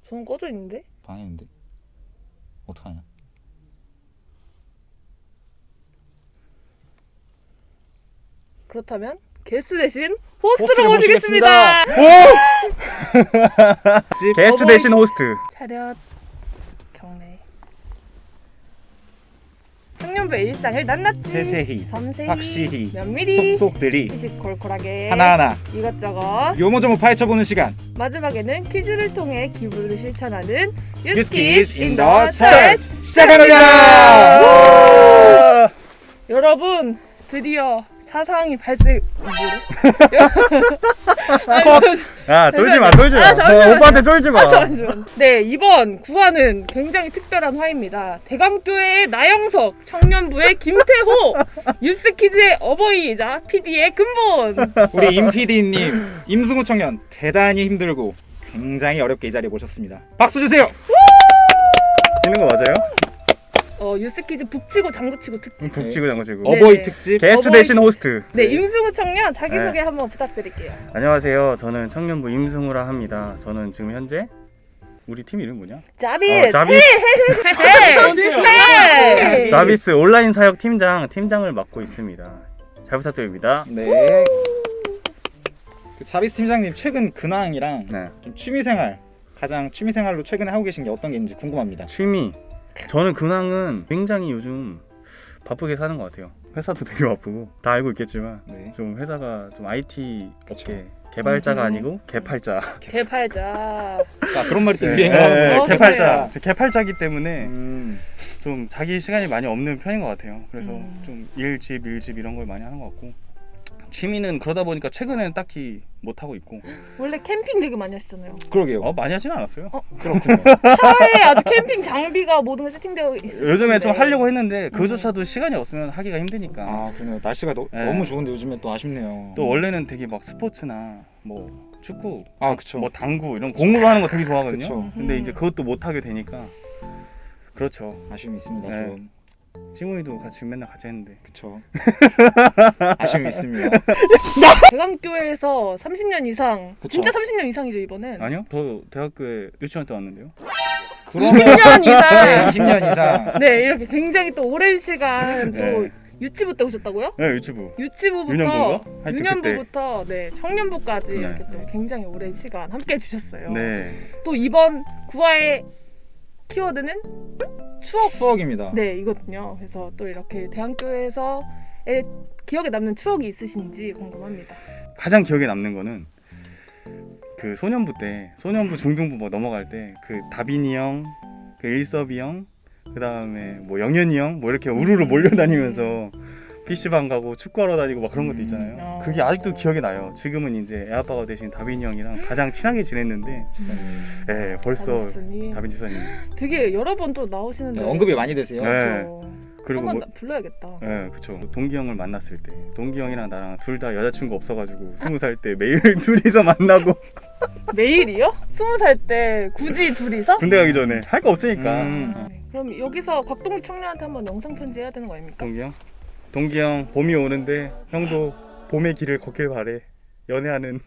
저는 꺼져 있는데? 방에 있는데? 어떡하냐? 그렇다면 게스트 대신 호스트를 모시겠습니다. 게스트 대신 호스트. 차렷 경례. 청년부의 일상을 낱낱이 세세히, 섬세히 확실히, 면밀히 속속들이 시시콜콜하게 하나하나 이것저것 요모조모 파헤쳐보는 시간. 마지막에는 퀴즈를 통해 기부를 실천하는 유스키즈 인 더 더 처치. 처치 시작합니다. 여러분 드디어 사상이 발생. 야 쫄지 마, 쫄지 마. 잠시만요. 오빠한테 쫄지 마. 잠시만. 네, 이번 구화는 굉장히 특별한 화입니다. 대감교회의 나영석, 청년부의 김태호, 유스키즈의 어버이이자 PD의 근본. 우리 임 PD님, 임승우 청년 대단히 힘들고 굉장히 어렵게 이 자리에 모셨습니다. 박수 주세요. 있는 거 맞아요? 유스키즈 북치고 장구치고 특집. 북치고 장구치고. 네. 어버이 특집. 게스트 어버이- 대신 호스트. 네, 임승우 청년 자기소개 한번 부탁드릴게요. 안녕하세요. 저는 청년부 임승우라 합니다. 저는 지금 현재 우리 팀 이름 뭐냐? 자빗. 자비스, 헤이. 자비스 온라인 사역 팀장을 맡고 있습니다. 잘 부탁드립니다. 네. 그 자비스 팀장님 최근 근황이랑 네. 좀 취미생활 가장 취미생활로 최근에 하고 계신 게 어떤 게 있는지 궁금합니다. 취미. 저는 근황은 굉장히 요즘 바쁘게 사는 것 같아요. 회사도 되게 바쁘고 다 알고 있겠지만 네. 좀 회사가 좀 IT 그쵸. 업계 개발자가 아니고 개팔자. 개팔자. 아, 그런 말이 또 유행을 네, 하는 거예요. 개팔자. 저 개팔자기 때문에 음. 좀 자기 시간이 많이 없는 편인 것 같아요. 그래서 음. 좀 일집 이런 걸 많이 하는 것 같고 취미는 그러다 보니까 최근에는 딱히 못 하고 있고 원래 캠핑 되게 많이 하시잖아요. 그러게요. 많이 하지는 않았어요. 그렇군요. 차에 아주 캠핑 장비가 모든 게 세팅되어 있어요. 요즘에 좀 하려고 했는데 그조차도 시간이 없으면 하기가 힘드니까. 아, 그러네요. 날씨가 네. 너무 좋은데 요즘에 또 아쉽네요. 또 원래는 되게 막 스포츠나 뭐 축구, 아, 그쵸. 뭐 당구 이런 공으로 하는 거 되게 좋아하거든요. 그쵸. 근데 이제 그것도 못 하게 되니까 그렇죠. 아쉬움이 있습니다. 네. 좀. 시무이도 같이 맨날 같이 했는데 그쵸. 아쉬움이 있습니다. 대감교회에서 30년 이상, 그쵸. 진짜 30년 이상이죠 이번엔. 아니요? 저 대학교에 유치원 때 왔는데요. 그러면 20년 이상. 네, 20년 이상. 네, 이렇게 굉장히 또 오랜 시간 또 네. 유치부 때 오셨다고요? 네, 유치부. 유치부부터 유년부인가? 하여튼 유년부부터 네, 청년부까지 네. 이렇게 또 굉장히 오랜 시간 함께 해주셨어요. 네. 또 이번 구화의 키워드는 추억. 추억입니다. 네, 이거든요. 그래서 또 이렇게 대학교에서의 기억에 남는 추억이 있으신지 궁금합니다. 가장 기억에 남는 거는 그 소년부 때 소년부 중등부 뭐 넘어갈 때 그 다빈이 형, 그 일섭이 형, 그 다음에 뭐 영현이 형 뭐 이렇게 우르르 몰려다니면서 PC방 가고 축구하러 다니고 막 그런 것도 있잖아요. 그게 아직도 기억에 나요. 지금은 이제 애아빠가 되신 다빈이 형이랑 가장 친하게 지냈는데 예, 벌써 다빈 집사님 되게 여러 번 또 나오시는데 네, 언급이 많이 되세요. 네. 그렇죠. 그리고 한번 뭐 불러야겠다. 예, 그쵸. 동기 형을 만났을 때 동기 형이랑 나랑 둘 다 여자친구 없어가지고 20살 때 매일 둘이서 만나고 매일이요? 20살 때 굳이 둘이서? 군대 가기 전에 할 거 없으니까 네. 그럼 여기서 곽동욱 청년한테 한번 영상 편지 해야 되는 거 아닙니까? 동기 형 봄이 오는데 형도 봄의 길을 걷길 바래. 연애하는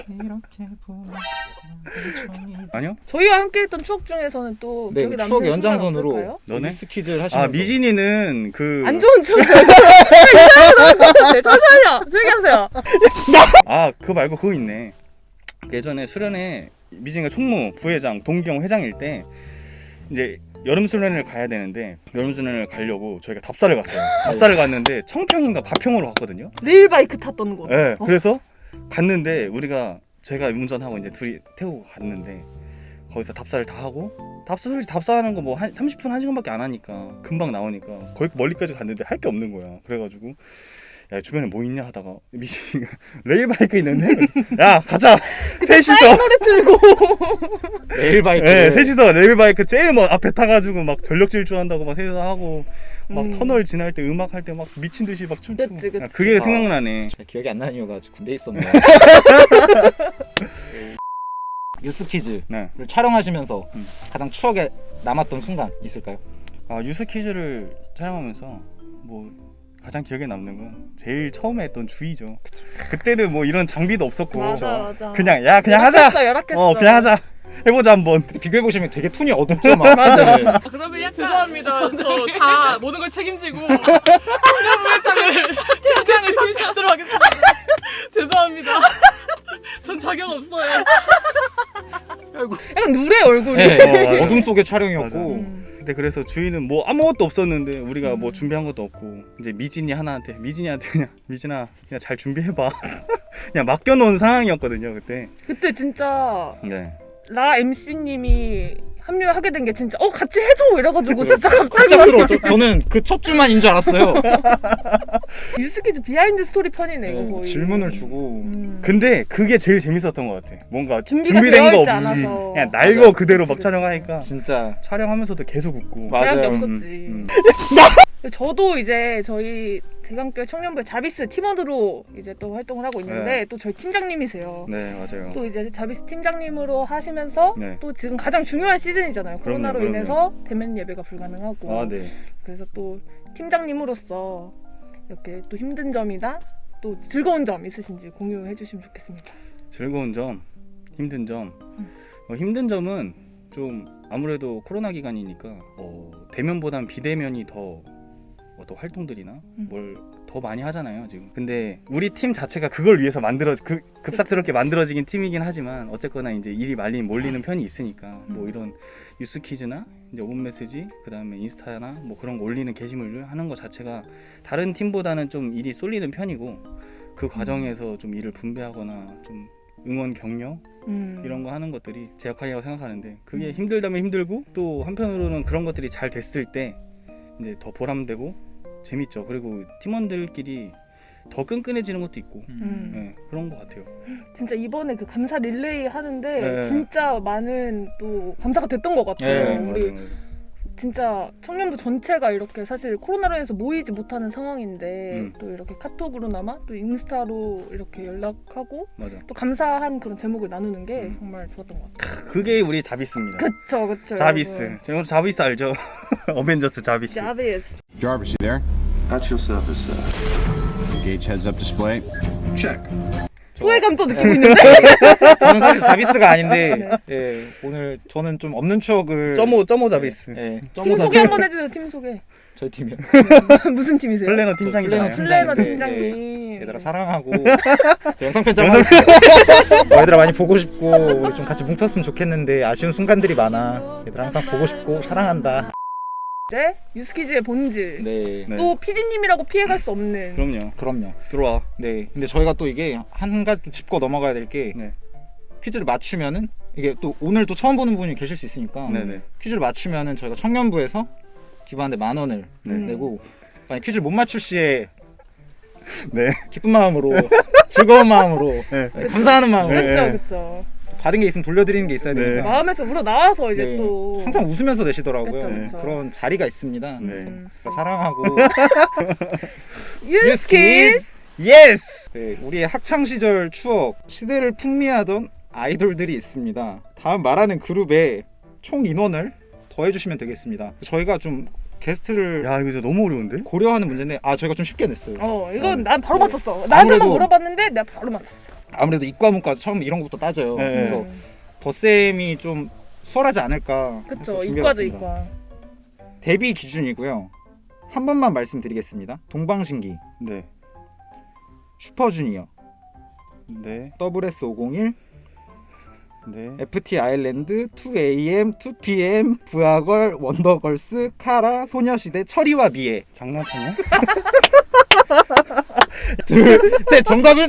아니요? 저희와 함께했던 추억 중에서는 또 네, 기억에 남는 추억의 순간 연장선으로 없을까요? 너네? 스퀴즈를 하시면서 아 미진이는 그 안 좋은 추억. 네, 잠시만요. 조용히 하세요. 아 그거 말고 그거 있네. 예전에 수련회 미진이가 총무 부회장 동기 형 회장일 때 이제 여름 수련회를 가야 되는데 여름 수련회를 가려고 저희가 답사를 갔어요. 답사를 갔는데 청평인가 가평으로 갔거든요. 레일바이크 탔던 곳. 네, 그래서 갔는데 제가 운전하고 이제 둘이 태우고 갔는데 거기서 답사를 다 하고 답사하는 거 뭐 한 30분 1시간밖에 안 하니까 금방 나오니까 거기 멀리까지 갔는데 할 게 없는 거야. 그래가지고 야 주변에 뭐 있냐 하다가 미신이가 레일바이크 있는데 야 가자 셋이서 노래 틀고. 레일바이크. 네, 셋이서 레일바이크 제일 먼 앞에 타가지고 막 전력 질주한다고 막 셋이서 하고 막 터널 지날 때 음악 할 때 막 미친 듯이 막 춤추고 그치. 야, 그게 생각나네. 기억이 안 나는 이유가 군대에 있었네요. 뉴스 퀴즈를 네. 촬영하시면서 음. 가장 추억에 남았던 순간 있을까요? 아 유스 퀴즈를 촬영하면서 뭐 가장 기억에 남는 건 제일 처음에 했던 주의죠. 그때는 뭐 이런 장비도 없었고 맞아. 그냥 하자. 열악했어. 그냥 하자. 해보자 한번. 비교해 보시면 되게 톤이 어둡죠 막. 맞아. 네. 그러면 죄송합니다. 저 다 모든 걸 책임지고 청년부회장을 팀장을 선택하도록 하겠습니다. 죄송합니다. 전 자격 없어요. 약간 누래 얼굴이. 네. 맞아. 어둠 속의 촬영이었고. 음. 근데 그래서 주인은 뭐 아무것도 없었는데 우리가 뭐 준비한 것도 없고 이제 미진이한테 그냥 미진아 그냥 잘 준비해봐. 그냥 맡겨놓은 상황이었거든요 그때. 그때 진짜 네. 라 MC님이 합류하게 된 게 진짜 같이 해줘 이래가지고 진짜 갑자기 갑작스러워. 저는 그 첫 주만인 줄 알았어요. 유스키즈 비하인드 스토리 편이네 이거 거의. 질문을 주고. 근데 그게 제일 재밌었던 것 같아. 뭔가 준비가 준비된 거 되어 있지 없이 않아서. 그냥 날거 맞아. 그대로 막 그치. 촬영하니까 진짜 촬영하면서도 계속 웃고. 맞아요. 제약이 없었지. 저도 이제 저희 대강교회 청년부의 자비스 팀원으로 이제 또 활동을 하고 있는데 네. 또 저희 팀장님이세요. 네 맞아요. 또 이제 자비스 팀장님으로 하시면서 네. 또 지금 가장 중요한 시즌이잖아요. 코로나로 그럼요. 인해서 대면 예배가 불가능하고. 아 네. 그래서 또 팀장님으로서 이렇게 또 힘든 점이나 또 즐거운 점 있으신지 공유해 주시면 좋겠습니다. 즐거운 점, 힘든 점. 힘든 점은 좀 아무래도 코로나 기간이니까 대면보단 비대면이 더 어떤 활동들이나 뭘 더 많이 하잖아요 지금. 근데 우리 팀 자체가 그걸 위해서 급작스럽게 만들어지긴 팀이긴 하지만 어쨌거나 이제 일이 많이 몰리는 편이 있으니까 뭐 이런 뉴스 퀴즈나 이제 오픈 메시지 그다음에 인스타나 뭐 그런 거 올리는 게시물을 하는 거 자체가 다른 팀보다는 좀 일이 쏠리는 편이고 그 과정에서 좀 일을 분배하거나 좀 응원 격려 이런 거 하는 것들이 제 역할이라고 생각하는데 그게 힘들다면 힘들고 또 한편으로는 그런 것들이 잘 됐을 때 이제 더 보람되고 재밌죠. 그리고 팀원들끼리 더 끈끈해지는 것도 있고 네, 그런 것 같아요. 진짜 이번에 그 감사 릴레이 하는데 네. 진짜 많은 또 감사가 됐던 것 같아요. 네, 우리 맞아요. 진짜 청년부 전체가 이렇게 사실 코로나로 인해서 모이지 못하는 상황인데 또 이렇게 카톡으로나마 또 인스타로 이렇게 연락하고 맞아. 또 감사한 그런 제목을 나누는 게 정말 좋았던 것 같아요. 그게 우리 자비스입니다. 그쵸. 자비스. 지금 자비스 알죠? 어벤져스 자비스. 자비스. Jarvis, you there? At your service, sir. Gauge heads up display. Check. 소외감도 느끼고 있는데. 저는 사실 자비스가 아닌데 예, 오늘 저는 좀 없는 추억을 점오 자비스. 예, 팀 소개 한번 해주세요. 팀 소개. 저희 팀이요. 무슨 팀이세요? 플래너 팀장이잖아요. 플래너 팀장인데, 팀장님. 얘들아 사랑하고 저 영상 편집 하고 있어요. 얘들아 많이 보고 싶고 우리 좀 같이 뭉쳤으면 좋겠는데 아쉬운 순간들이 많아. 얘들아 항상 보고 싶고 사랑한다. 이제 유스키즈의 본질. 네. 네. 또 PD님이라고 피해갈 수 없는. 그럼요. 들어와. 네. 근데 저희가 또 이게 한 가지 또 짚고 넘어가야 될 게 네. 퀴즈를 맞추면은 이게 또 오늘 또 처음 보는 분이 계실 수 있으니까 네네. 퀴즈를 맞추면은 저희가 청년부에서 기부하는데 10,000원을 네. 내고 만약 퀴즈를 못 맞출 시에 네. 기쁜 마음으로 즐거운 마음으로 네. 감사하는 마음으로 네. 그쵸. 받은 게 있으면 돌려드리는 게 있어야 네. 되니까 마음에서 우러 나와서 이제 네. 또 항상 웃으면서 내시더라고요. 그쵸. 그런 자리가 있습니다. 네. 그래서 사랑하고 유스키즈. 예스. 네, 우리의 학창 시절 추억 시대를 풍미하던 아이돌들이 있습니다. 다음 말하는 그룹의 총 인원을 더해주시면 되겠습니다. 저희가 좀 게스트를 야 이거 진짜 너무 어려운데? 고려하는 문제인데 저희가 좀 쉽게 냈어요. 이건 난 바로 맞췄어. 나한테만 아무래도- 물어봤는데 내가 바로 맞췄어. 아무래도 이과 문과 처음 이런 것부터 따져요. 네. 그래서 버쌤이 좀 수월하지 않을까. 그쵸. 해서 이과죠 준비해봤습니다. 이과. 데뷔 기준이고요. 한 번만 말씀드리겠습니다. 동방신기, 네. 슈퍼주니어, 네. WS501, 네. FT 아일랜드, 2AM, 2PM, 부하걸, 원더걸스, 카라, 소녀시대, 철이와 미애. 장난쳤냐? 둘, 셋, 정답은?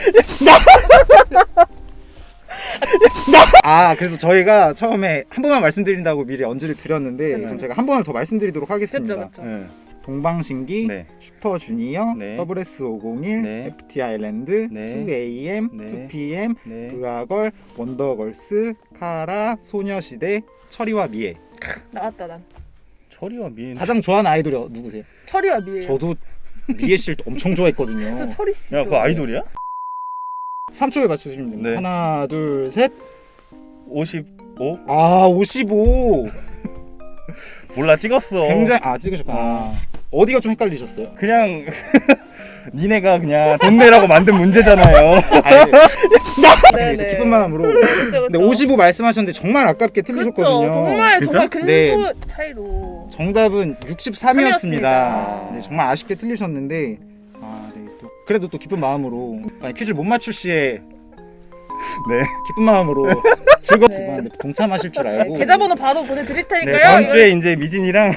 그래서 저희가 처음에 한 번만 말씀드린다고 미리 언지를 드렸는데 그럼 제가 한 번을 더 말씀드리도록 하겠습니다. 그쵸. 네. 동방신기, 네. 슈퍼주니어, 네. WS501, 네. FT 아일랜드, 네. 2AM, 네. 2PM, 네. 부하걸, 원더걸스, 카라, 소녀시대, 철이와 미애. 나왔다 난. 철이와 미인. 가장 좋아하는 아이돌이 누구세요? 철이와 미애. 저도 미애 씨를 엄청 좋아했거든요. 저 철이 씨. 야 그거 아이돌이야? 3초에 맞추시면 됩니다. 네. 하나, 둘, 셋. 55? 55. 몰라 찍었어. 굉장히 찍으셨구나. 어디가 좀 헷갈리셨어요? 그냥 니네가 그냥 돈 내라고 만든 문제잖아요. 네, 이제 기쁜 마음으로. 근데 55 말씀하셨는데 정말 아깝게 틀리셨거든요. 그렇죠. 정말 진짜? 정말 근소 네. 차이로. 정답은 63이었습니다. 아. 네, 정말 아쉽게 틀리셨는데 네, 또 그래도 또 기쁜 마음으로 퀴즈를 못 맞출 시에 네. 기쁜 마음으로 즐겁게 네. 봤는데 동참하실 줄 알고 계좌번호 바로 보내드릴 네, 테니까요. 다음 주에 이제 미진이랑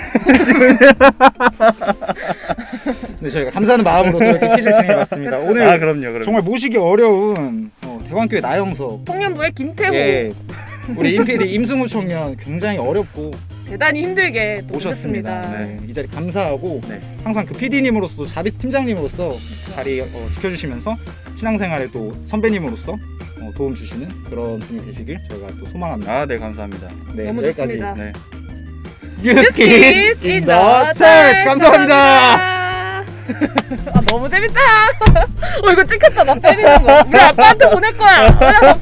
네, 저희가 감사하는 마음으로 또 이렇게 퀴즈를 진행해봤습니다. 오늘 그럼요. 정말 모시기 어려운 대관교회 나영석 청년부의 김태호 예, 우리 임PD 임승우 청년 굉장히 어렵고 대단히 힘들게 또 모셨습니다. 모셨습니다. 네, 이 자리 감사하고 네. 항상 그 PD님으로서도 자비스 팀장님으로서 자리 지켜주시면서 신앙생활에 또 선배님으로서 도움 주시는 그런 분이 되시길 저희가 또 소망합니다. 네, 감사합니다. 네, 너무 여기까지 좋습니다. 네. 뉴스키즈 in the church 감사합니다. 아 너무 재밌다. 이거 찍혔다. 나 때리는 거. 우리 아빠한테 보낼 거야.